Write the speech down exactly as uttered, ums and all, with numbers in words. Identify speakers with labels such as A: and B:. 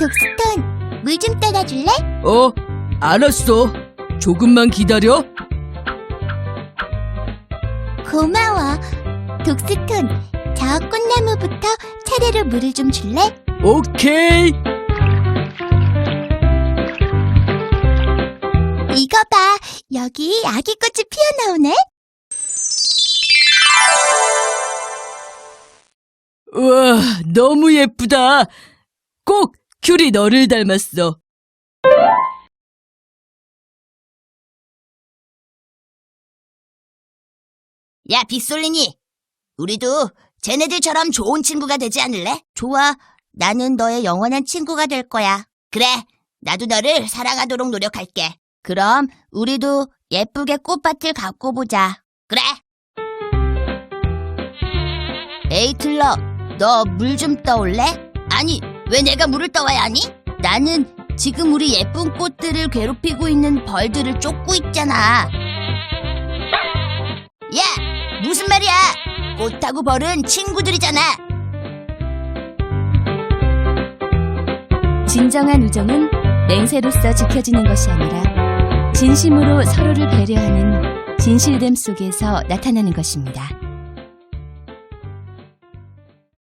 A: 독스톤, 물 좀 따라 줄래?
B: 어, 알았어. 조금만 기다려.
A: 고마워. 독스톤, 저 꽃나무부터 차례로 물을 좀 줄래?
B: 오케이.
A: 이거 봐, 여기 아기 꽃이 피어나오네.
B: 우와, 너무 예쁘다. 꼭 큐리 너를 닮았어.
A: 야, 빗솔린이. 우리도 쟤네들처럼 좋은 친구가 되지 않을래? 좋아. 나는 너의 영원한 친구가 될 거야. 그래. 나도 너를 사랑하도록 노력할게. 그럼 우리도 예쁘게 꽃밭을 가꿔 보자. 그래. 에이틀러, 너 물 좀 떠올래? 아니, 왜 내가 물을 떠와야 하니? 나는 지금 우리 예쁜 꽃들을 괴롭히고 있는 벌들을 쫓고 있잖아. 야, 무슨 말이야? 꽃하고 벌은 친구들이잖아.
C: 진정한 우정은 맹세로서 지켜지는 것이 아니라 진심으로 서로를 배려하는 진실됨 속에서 나타나는 것입니다.